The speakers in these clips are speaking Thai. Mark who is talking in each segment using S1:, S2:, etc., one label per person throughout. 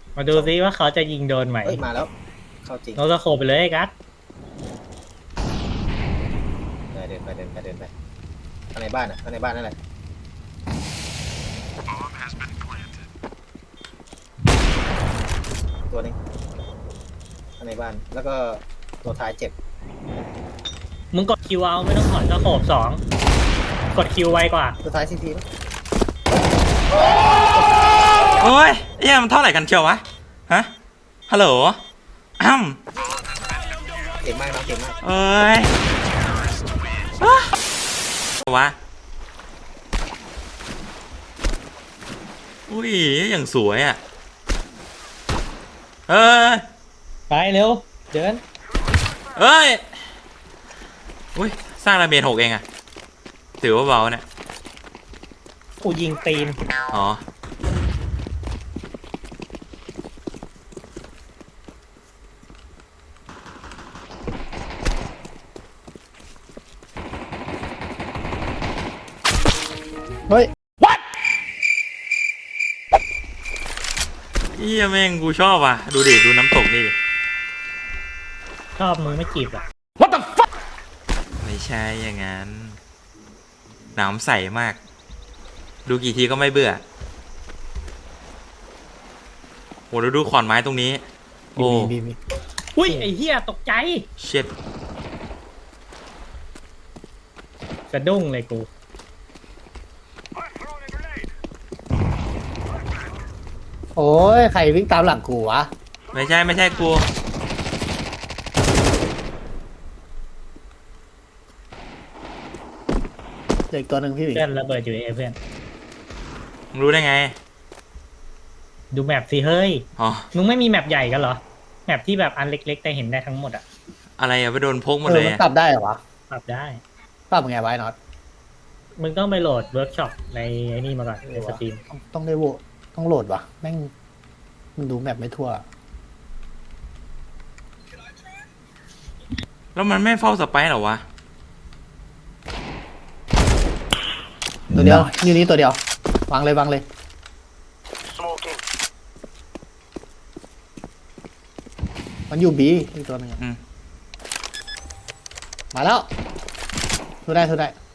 S1: มาดูซิว่าเขาจะยิงโดนไหม
S2: เฮ้ยมาแล้วเข้าจริง
S1: โนตะโคไปเลยกัส
S2: เดินไปข้างในบ้านข้างในบ้านนั่นแหละตัวนึงข้างในบ้านแล้วก็ตัวท้ายเจ็บ
S1: มึงกดคิวเอาไม่ต้องถอนตะโขบสองกดคิวไวกว่า
S2: ตัวท้ายซีทีมั้ย
S3: โอ้ยเอี่ยมันเท่าไหร่กันเชียววะฮะฮัลโหล
S2: เก่งมากน้องเก่งมาก
S3: เอ้ยวะอุ้ยอย่างสวยอ่ะเอ้ย
S1: ไปเร็วเดิน
S3: เอ้ยอุ้ยสร้างระเบียง6เองอะถือว่าเบาเนี่ย
S1: กูยิงตีน
S3: อ๋อ
S2: เฮ้ย
S3: what เอี้ยแม่งกูชอบอ่ะดูดิดูน้ำตกนี่ดิ
S1: ชอบมึงไม่จีบหรอ
S3: what the fuck ไม่ใช่อย่างนั้นน้ำใสมากดูกี่ทีก็ไม่เบื่อโหดูขอนไม้ตรงนี้โอ้
S1: อุ้ยไอ้เหี้ยตกใจ
S3: เช็ด
S1: สะดุ้งเลยกู
S2: โอ้ยใครวิ่งตามหลังกูวะ
S3: ไม่ใช่กู
S2: เด็กตัวหนึ่งพี่
S1: เพื่อนระเบิดอยู่เพื่อน
S3: มึงรู้ได้ไง
S1: ดูแมปสิเฮ้ย
S3: อ๋อ
S1: มึงไม่มีแมปใหญ่กันเหรอแมปที่แบบอันเล็กๆแต่เห็นได้ทั้งหมดอะ
S3: อะไรอะไปโดนพกหมดเลย
S2: มันปรับได้เหรอวะ
S1: ปรับได้
S2: ปรับไงไว้น็อต
S1: มึงต้องไปโหลดเวิร์กช็อปในไอ้นี่มาก่อนในสตรีม
S2: ต้องได้ต้องโหลดวะแม่งมันดูแมปไม่ทั่ว
S3: แล้วมันไม่เฝ้าสไปร์หรอวะ
S2: ตัวเดียวอยู่นี่ตัวเดียววางเลยมันอยู่บีอีกตัวหนึงมาแล้วทุได้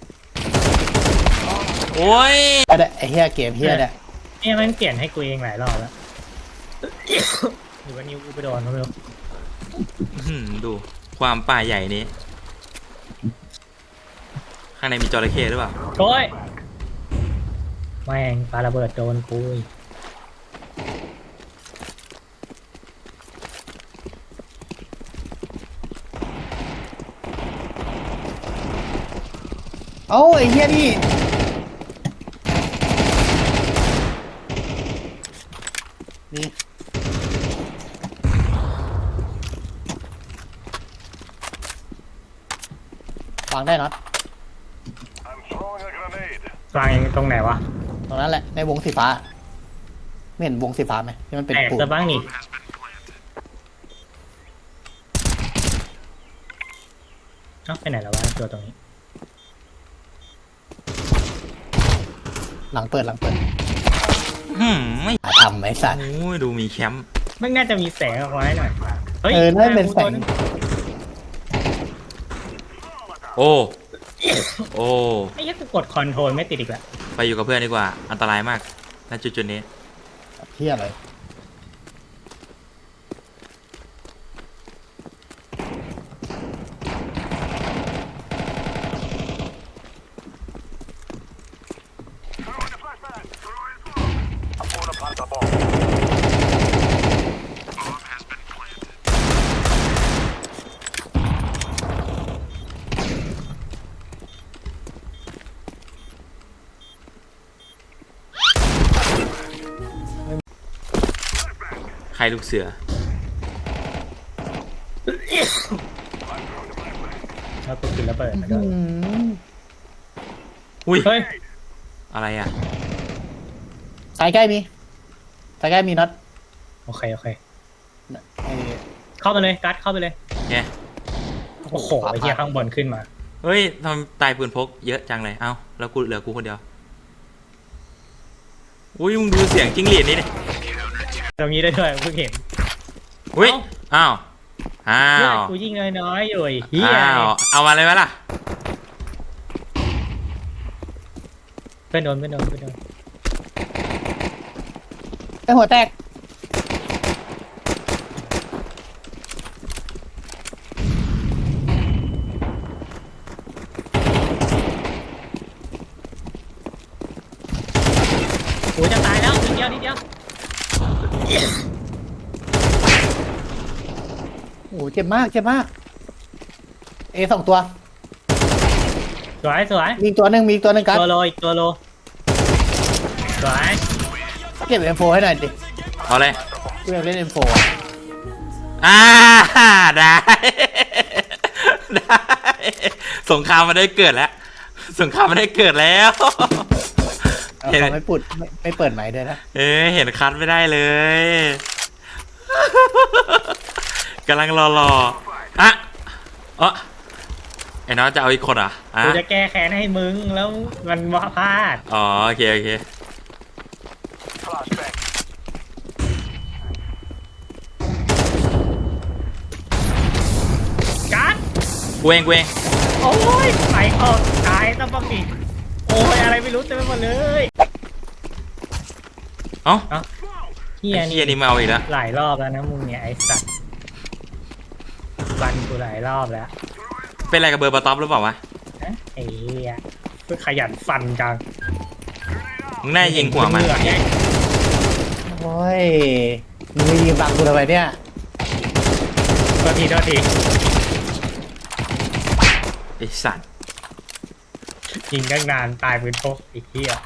S3: โอ้ย
S2: ไอ้เฮียเกมเฮีย
S1: เนี่ยมันเปลี่ยนให้กูเองหลายรอบแล้วหรือว่านิ้วกูไปโดนเขาไม่รู้
S3: ดูความป่าใหญ่นี้ข้างในมีจระเข้หรือเปล่า
S1: โอ้ยแม่งปาระเบิดโดนกู
S2: โอ้ไอ้เฮียนี่วางได้น็อต
S1: วางตรงไหนวะ
S2: ตรงนั้นแหละในวงสีฟ้าไม่เห็นวงสีฟ้าไหมที่มันเป็น
S1: ปูนบ้างนี่เอ้าไปไหนแล้ววะตัวตรงนี้
S2: หลังเปิด
S3: ไม่
S2: ทำไหมสัตว์
S3: โอ้ยดูมีแคมป์
S1: ไม่น่าจะมีแสงออกมาให้หน่อยเฮ้ย
S2: น่าเป็นแสง
S3: โอ้
S1: ไอ้ยักษ์กดคอนโทรลไม่ติดอีกแล้ว
S3: ไปอยู่กับเพื่อนดีกว่าอันตรายมากณจุดนี้
S2: เที่ยอะไร
S3: ใครลูกเสือ
S1: แล้วกูกินระเบิดมาด้วย
S3: อุ้ย
S1: เฮ้ย
S3: อะไรอ่ะ
S2: สายใกล้มีน็อต
S1: โอเคเข้าไปเลยกัดเข้าไปเลย
S3: เนี่ย
S1: โอ้โหไอ้เหี้ยข้างบนขึ้นมา
S3: เฮ้ยทำตายปืนพกเยอะจังเลยเอ้าแล้วกูเหลือกูคนเดียวอุ้ยมึงดูเสียงจิ้งหรีดนี่ดิ
S1: ตรงนี้ได้ด้วยเพิ่งเห็น
S3: อุ้ยอ้าวอ้า
S1: เลือด
S3: ว
S1: กูยิงน้อยๆอยู่ไอ้เฮีย
S3: อ้าวเอามาเลยไหมล่ะ
S1: เพื่อนโดน
S2: ไอหัวแตก
S1: โอ้ยจะตายแล้วนิดเดียว
S2: โอ้โหเจ็บมากเจ็บมากเอสองตัว
S1: สวย
S2: มีอีกตัวหนึ่งมีอีกตัวหนึ่งกัน
S1: ตัวโลอีกตัวโลสวย
S2: เก็บ M4 ให้หน่อยดิ
S3: เอาเลย
S2: กูอยากเล่น M4
S3: อ่าได้ ได้สงครามมันได้เกิดแล้วสงครามมันได้เกิดแล้ว
S2: เอาเขาไม่ปุดไม่เปิดไหมค์ด้วยนะ
S3: เอ๊ะเห็นคัดไม่ได้เลยกำลังรออ่ะไอ้น้องจะเอาอีกคนเหรออ่ะ
S1: กูจะแก้แค้นให้มึงแล้วมันว่าพลาด
S3: อ๋อโอเค
S1: กัด
S3: กูเอง
S1: โอ้ยไปออกตายต้องป้องดิโอ้ยอะไรไม่รู้เต็มไปหมดเลย
S3: เอ้า
S1: เฮีย
S3: ไอ้เฮี
S1: นี่
S3: ยนี่มาเอาอีกแล้ว
S1: หลายรอบแล้วนะมึงเนี่ยไอ้สัตว์ฟันกูหลายรอบแล้ว
S3: เป็นอะไรกับเบอร์ปะต๊อปหรือเปล่าวะ
S1: นะไอ้เฮียเพื่อขยันฟันจัง
S3: มึงน่ายิงหัวมัน
S1: เหงื่อไง
S2: โอ้ยมึงยิงบังกูทำไมเนี่ย
S1: โทษที
S3: ไอ้สัตว์
S1: ยิงตั้งนานตายปืนพกไอ้เฮีย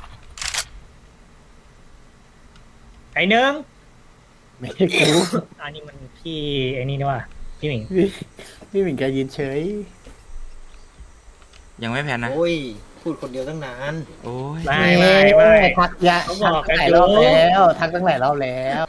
S1: ไอ้หนึ่ง
S2: ไม่ใช่กู
S1: อันนี้มันพี่ไอ้นี่นี่ว่าพี่หมิง
S2: พี่หมิงแกยืนเฉย
S3: ยังไม่แพ้นะ
S4: โอ้ย พูดคนเดียวตั้งนาน
S3: โอ้ย
S1: ไม่
S2: ทักยะ
S1: เขาบ
S2: ทั
S1: อก
S2: ก
S1: กัน
S2: หลาย
S1: อยู่
S2: รอบแล้วทักตั้งหลายรอบแล้ว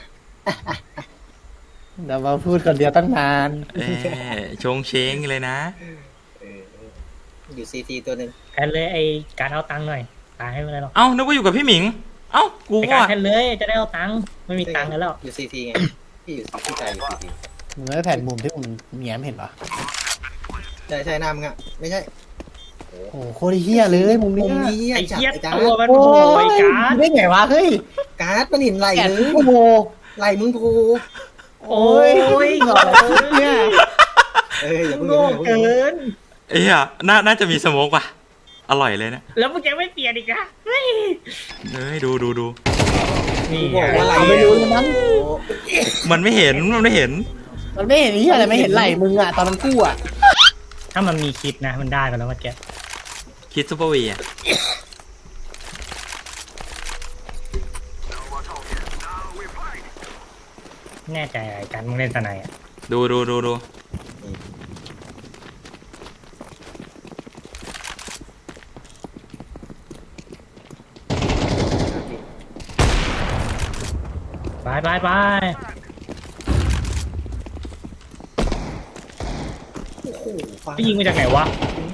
S2: เดี๋ยวมาพูดคนเดียวตั้งนาน
S3: เอ๊ะชงเชงเลยนะ
S4: อยู่ซีทีตัวหนึ่ง
S1: แทนเลยไอ้การเอาตังค์หน่อยตายให้ไม่ได้หรอก
S3: เอ้านึกว่าอยู่กับพี่หมิง เอ้ากู
S1: ไอ้
S3: ก็
S1: การแทนเลยจะได้เอาตังค์ไม่มีตังค์กันแล้ว
S4: อยู่ซีทีไง พี่อยู่พี่ชายอยู่ซีที
S2: มึงไม่แผ่นมุมที่มึงแง้มเห็นปะ
S4: ใช่หน้ามึงอะไม่ใช่
S2: โอ้โหโคตรเฮี้ยเลยมุม
S4: มุ
S2: นี้
S4: มนี้
S1: ไอ้
S4: จัด
S1: เหี้ย
S4: ไอ้การ
S1: ตัวมัน
S2: โอ้
S1: โผล่
S2: ย
S1: ไอ้การ
S2: ได้ไงวะเฮ้ย
S4: การ์ดมันเห็นไหล
S2: แปด
S4: เลย
S2: ชั่วโมง
S4: ไหลมึงโผล่
S1: โอ้ย
S2: เหงาเนี่ย
S4: อย่าเพิ่ง
S1: โง่เกิน
S3: เอ้ยน่าจะมีสโมกว่ะ อร่อยเลยนะ
S1: แล้วมึงจะไม่เปลี่ยนอีกนะเฮ้ย
S3: เฮ้ยดู
S1: นี่
S4: บอกว่าไหล
S2: ไม่รู้เลยมั้ง
S3: มันไม่เห็น
S2: มันไม่เห็นนี่อะไรไม่เห็นไหลมึงอะตอนมันกู้อะ
S1: ถ้ามันมีคลิปนะมันได้ไปแล้วเมื่อกี้
S3: คิดซูเปอร์วีอ่ะ
S1: แน่ใจไอ้การมึงเล่นสไนอ่ะ
S3: ดู
S1: ไป
S4: โอ้โหฟัง
S1: ไปยิงมาจากไหนวะ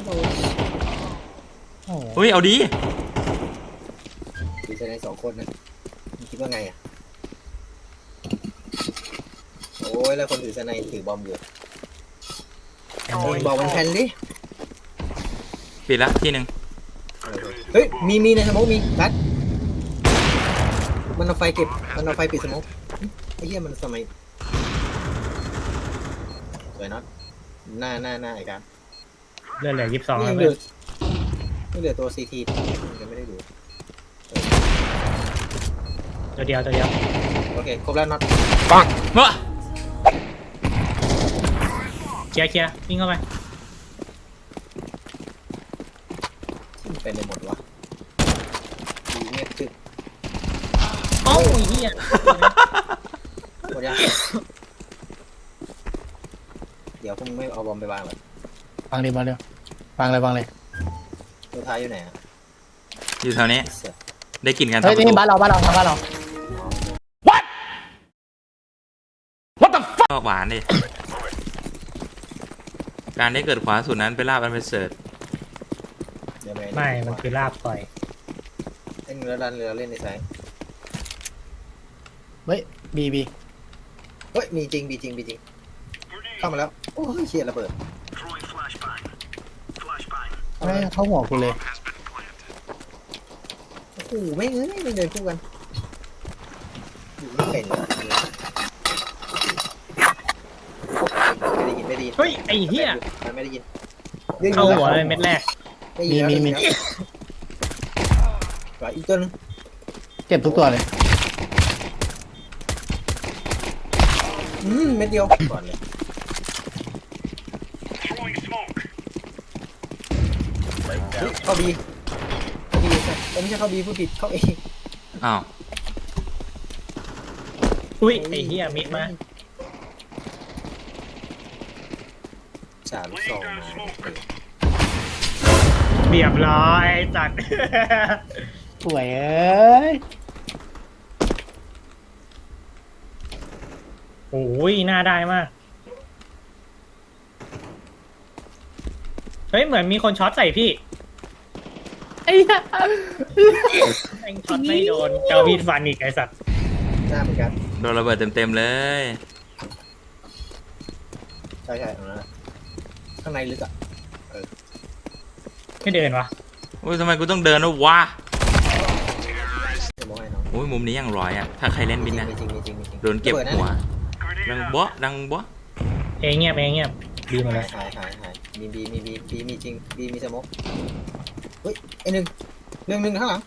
S2: โอ้โห
S3: เฮ้ย เอาดี
S4: ดูชาย2 คนนะมึงคิดว่าไงอะโอ้ยแล้วคนถือสไนถือบอมอยู่บอกมันแทนดิ
S3: ปิดละที่หนึ่ง
S4: เฮ้ยมีในสโมกมีกัดมันเอาไฟเก็บมันเอาไฟปิดสโมกไอ้เหี้ยมันสมัยสวยน็อตหน้าไอ้การ
S1: เลือดเหลือ22
S4: นี่
S1: แล้ว
S4: ยังเห
S1: เว้
S4: ลื
S1: ย
S4: อนี่เหลือตัวซีทียังไม่ได้ดู
S1: ตัวเดียว
S4: โอเคครบแล้วน็อต
S3: เฮ้ย
S1: เคลียร์วิ่งเข้าไป
S4: เป็นไปหมดวะดูเงียบจึ๊บ
S1: โอ้ยเฮีย
S4: หมดยังเดี๋ยวพวกมึงไม่เอาบอมไปวางหรอ
S2: ฟังดิมาเร็วฟังเลย
S4: ตัวท้ายอยู่ไหนอ่ะ
S3: อยู่แถวนี้
S4: เสือ
S3: ได้กลิ่นกัน
S2: เฮ้ย
S3: ทำประ
S2: นี่
S3: ตู
S2: บ้านเราทางบ้านเรา
S3: ก็หวานดิ การได้เกิดขวาสุดนั้นเป็นลาบอันเป็นเสริฐ
S4: เดี๋ยว
S1: ไม่มันคือลาบปล่อย
S4: เล่นเรือดันเรือเล่นในไซส์
S2: เฮ้ยบี
S4: เฮ้ยมีจริงมีจริงมีจริงเข้ามาแล้วโอ้ยเชี่ยระเบิด
S2: ไม่เข้าหัวกูเลย
S4: โอ้โหไม่เอ้ยไม่เดินคู่กันอยู่ไม่เป็นเลยไม่ได้ยินไม่ได้ยิน
S1: เฮ้ยไอ้เหี้ย
S4: มันไม่ได้ยิน
S1: เข้าหัวเลยเม็ดแรก
S4: ได้ยินแล้วได้ยินแล้วไหวอีกตัวนึง
S2: เจ็บทุกตัวเลย
S4: เม็ดเดียวก่อนเลยเข้าบีเข้าบีไม่ใช่เข้าบีผู้ผิดเข้าเอ
S3: อ้าว
S1: อุ้ยไอ้เหี้ยมิดมา
S4: สามสองมา
S1: เรียบร้อยจัด
S2: สวยเอ้ย
S1: โอ้ยน่าได้มากเฮ้ยเหมือนมีคนช็อตใส่พี่
S2: ไอ้เหี้ย
S1: แม่งช็อตไม่โดนเจ้ามีดฟันอีกไอ้สัตว์
S4: หน้าเหมือนกัน
S3: โดนระเบิดเต็มๆเลย
S4: ใช่ใช่เอาละข้างในลึกอ่ะ
S1: ไม่เดินวะ
S3: อุ้ยทำไมกูต้องเดินวะ
S4: จะมองให้น้อง
S3: อุ้ยมุมนี้ยังร้อยอ่ะ ถ้าใครเล่นบินนะ
S4: มีจริงมีจริงมีจริง
S3: โดนเก็บหัว ดังบ๊ะดังบ๊ะ
S1: เองเงียบดีมาเลย
S4: หายมีบีมีจริงบีมีสมกเฮ้ยไอหนึ่งข้างหลัง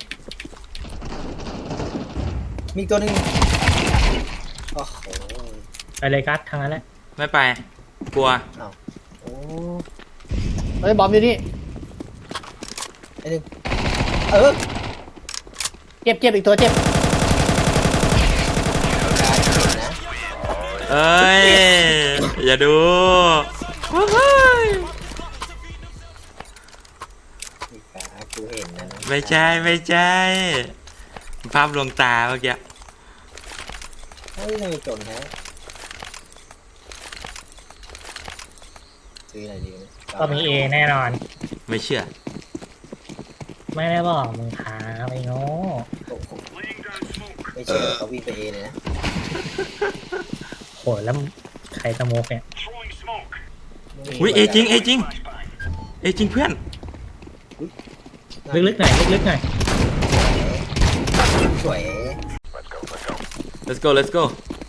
S4: มีตัวหนึ่งโอ้โห
S1: ไปเลยกัสทางนั้นแหละ
S3: ไม่ไป กลัว
S4: โอ้
S2: เฮ้ยบอมอยู่นี่
S4: ไอหนึ่งเ
S2: เจ็บอีกตัวเจ็บ
S4: นะ
S3: เอ้ย อย่าดูเฮ้ย
S4: มีขากูเห็นนะ
S3: ไม่ใช่ภาพลวงตาเมื่อกี้
S4: เฮ้ยทำไมจนฮะซื้ออะไรดีเนี่ย
S1: ก็มีเอแน่นอน
S3: ไม่เชื่อ
S1: ไม่ได้บอกมึงขาไปโง่
S4: โอ้โหไม่เชื่อเขาวิ่งไปเอเลยนะ
S1: โหแล้วใครสโมกเนี่ย
S3: อุ้ยเอจริงเพื่อน
S1: ลึกๆหน่อยลึกๆหน่อย
S4: สวย
S3: let's go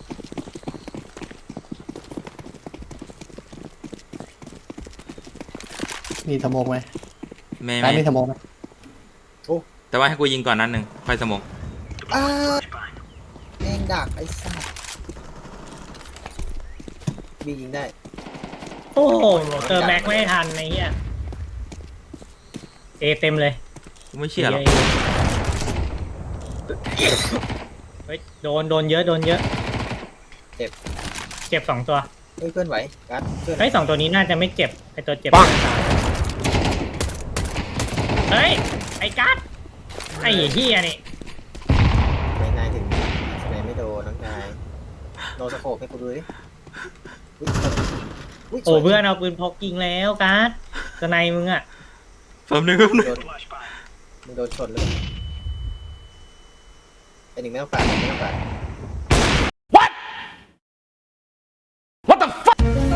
S2: มีสโมกไหม
S3: ไม่
S2: ร้านมีสโมกไหม
S3: แต่ว่าให้กูยิงก่อนนัดหนึ่งค่อยสมอง
S4: แมงดักไอ้สัสบียิงได้
S1: โอ้โหเติมแม็กไม่ทันไอ้เหี้ยเอเต็มเลย
S3: กูไม่เชื่อหรอก
S1: เฮ้ยโดนเยอะเจ็บ2 ตัว
S4: เฮ้ยเพื่อนไหวกัดเพื่อน
S1: เฮ้ย2 ตัวนี้น่าจะไม่เจ็บไอตัวเจ็บเฮ้ยไอ้กัสไอ้เหี้ยนี่
S4: ไม่นายถึงไหนไม่โดนน้องนายโนสโคปให้กูดูดิย
S1: โอ้เพื่อนเอาปืนพกยิงแล้วกัสตัวในมึงอ่ะ
S3: แป๊บนึง
S4: มึงโดนชนเลยไอ้หนึ่งไม่ต้องปาดไม่ต้องปาด
S3: what the fuck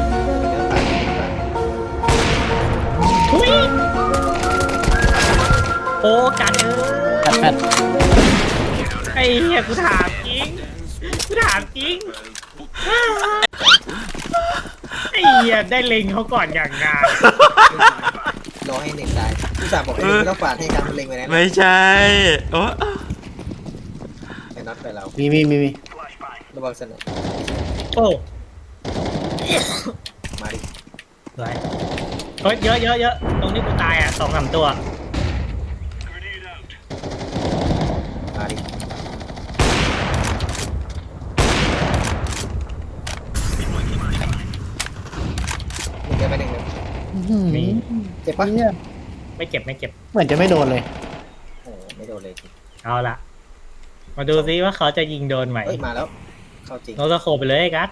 S1: ทุยโอ้กัสเอ้ย
S2: แปด
S1: ไอ้เหี้ยกูถามจริงไอ้เหี้ยได้เล็งเขาก่อนอย่างงาน
S4: รอให้หนึ่งได้ผู้สาวบอกไอ้หนึ่งไม่ต้องปาดให้การมันเล็งไปนะ
S3: ไม่ใช่โอ้
S4: ไอ้น็อตไปเรา
S2: มี
S4: ระวังสน
S1: โอ้
S4: มาดิ
S1: ไรเฮ้ยเยอะตรงนี้กูตายอ่ะ2-3 ตัว
S4: มาดิมึงจะไปหนึ่งเลย
S1: มี
S4: เจ็บปะ
S2: เนี่ย
S1: ไม่เจ็บ
S2: เหมือนจะไม่โดนเลย
S4: โอ้ไม่โดนเลยจริง
S1: เอาละมาดูซิว่าเขาจะยิงโดนไหม
S4: เฮ้ยมาแล้วเข้าจริง
S1: โนตะโคไปเลยไอ้กัส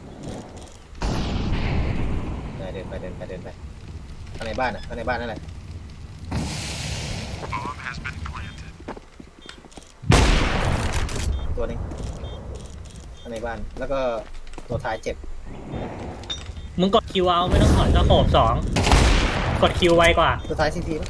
S4: เดินไปข้างในบ้านนั่นแหละตัวนึงในบ้าน แล้วก็ตัวท้ายเจ็บ
S1: มึงกดคิวเอาไม่ต้องถอนสโคป2กดคิวไวกว่า
S4: ตัวท้ายซีที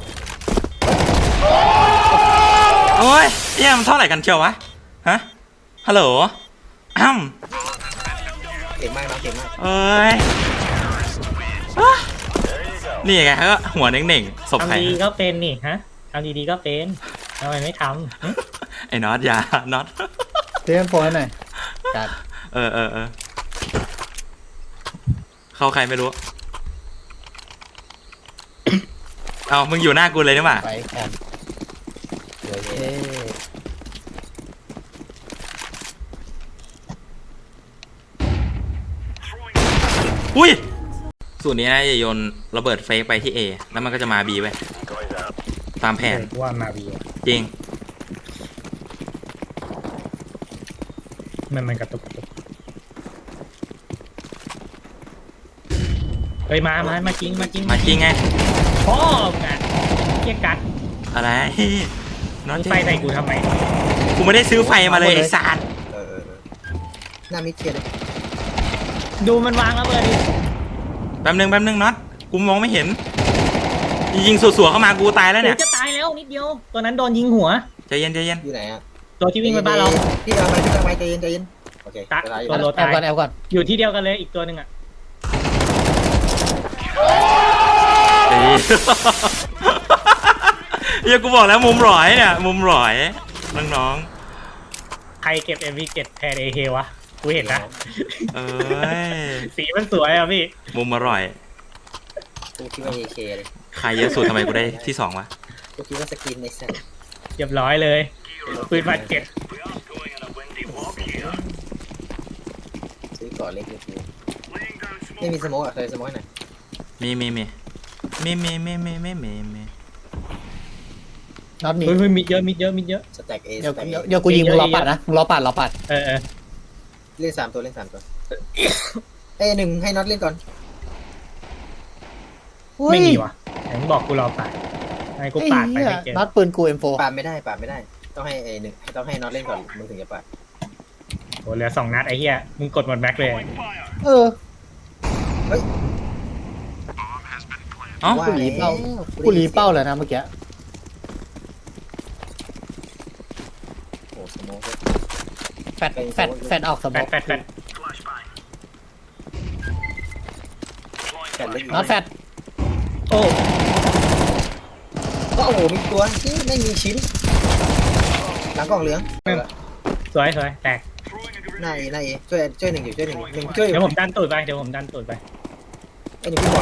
S3: โอ้ยเอี่ยมนเท่าไหร่กันเชียววะฮะฮัลโหลอ้ำ
S4: เก่งมากนะเก่งมาก
S3: เอ้ยอ่ะนี่ไงก็หัวเน่งๆศพใคร
S1: ทำดีก็เป็นนี่ฮะทำดีๆก็เป็นทำไมไม่ทำหึ
S3: ไอ้น็อตอย่าน็อต
S2: เตรียมโฟนให้หน่อยจัด
S3: เออเข้าใครไม่รู้ เอามึงอยู่หน้ากูเลยนี่หว่า
S2: ไปแอนเดี๋ยวเย้
S3: อุ้ยสูตรนี้นะจะโยนระเบิดเฟกไปที่ A แล้วมันก็จะมา B ไว้ตามแผน
S1: กูว่ามาบีอะ
S3: จริง
S1: มันกระตุกเฮ้ยมาจริง
S3: มาจริงไง
S1: พ่อมึงอ่ะเกียกัด
S3: อะไรน็อต
S1: มึงไฟใส่กูทำไม
S3: กูไม่ได้ซื้อไฟมาเลยไอ้สาร
S4: หน้ามิดเคลียร์เลย
S1: ดูมันวางแล้วเบอร์ดิ
S3: แป๊บนึงน็อตกูมองไม่เห็นยิงสัวๆเข้ามากูตายแล้วเนี่ย
S1: จะตายแล้วนิดเดียวตัวนั้นโดนยิงหัว
S3: ใจเย็น
S4: อยู่ไหนอะ
S1: ตัวที่วิ่งไปบ้านเรา
S4: พี่เอาไปใจเย็นโอเค
S1: ตะ
S4: ตัวท้ายอยู่
S1: ตัวโล
S2: แอบก่อนแอบก่อน
S1: อยู่ที่เดียวกันเลยอีกตัวหนึ่งอ่ะ
S3: เฮ้ย เฮียกูบอกแล้วมุมหลอยเนี่ยมุมหลอยน้อง
S1: ใครเก็บ MV7 แทน AK วะกูเห็นนะ
S3: ๆเอ้ย
S1: สีมันสวยอ่ะพี่
S3: มุมอร่อย
S4: กูคิดว่า AK เลย
S3: ใครเยอะสุดทำไมกูได้ที่2วะ
S4: กูคิดว่าสกินในแซน
S1: เรียบร้อยเลยปืนบาดเจ็บ
S4: ซื้อก่อนเล็กเลยกูไม่มีสโมกอะเคยสโมกไหน
S3: มี
S2: น็อตมี
S1: เฮ้ยมิดเยอะ
S4: สแต็กเอ
S2: เดี๋ยว
S4: สแต็ก
S2: เดี๋ยวกูยิงมึงรอปัดนะมึงรอปัด
S1: เออ
S4: เล่น3 ตัวเอ้ย1ให้น็อตเล่นก่อน
S1: ไม่มีวะไหนมึงบอกกูรอปาดไอ้กู
S2: ไอ้
S1: ปาดไป
S2: เหี้ย
S1: ไม่เจอ
S2: น็อตปืนกู M4
S4: ปาดไม่ได้ต้องให้ต้องให้น็อตเล่นก่อนมึงถึงจะปาด
S1: โหเหลือ2 นัดไอ้เหี้ยมึงกดหมดแม็กเลย
S2: เออ
S3: เอ้า
S2: กูหลีเป้ากูหลีเป้าเลยนะเมื่อกี้
S4: โอ้สโมก
S2: แฟดออกสม
S1: แฟ
S2: อง
S1: ด
S4: แฟนเล่น
S2: น็อตแฟด
S1: โอ้
S4: ก็โอ้โหมีตัวที่ไม่มีชิ้นหลังกล่องเหลือง
S1: สวยแตก
S4: หน้าเอช่วยหนึ่งช่วย
S1: เดี๋ยวผมดันตูดไป
S4: ไอ้หนึ่งพี่บอล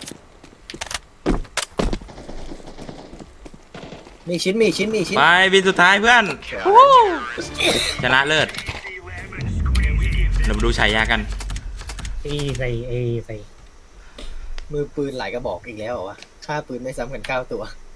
S4: มีชิ้น
S3: ไปวินสุดท้ายเพื่อนชนะเลิศเดี๋ยวมาดูฉายากัน
S1: ใส่
S4: มือปืนหลายกระบอกอีกแล้วเหรอวะค่าปืนไม่ซ้ำกัน9 ตัว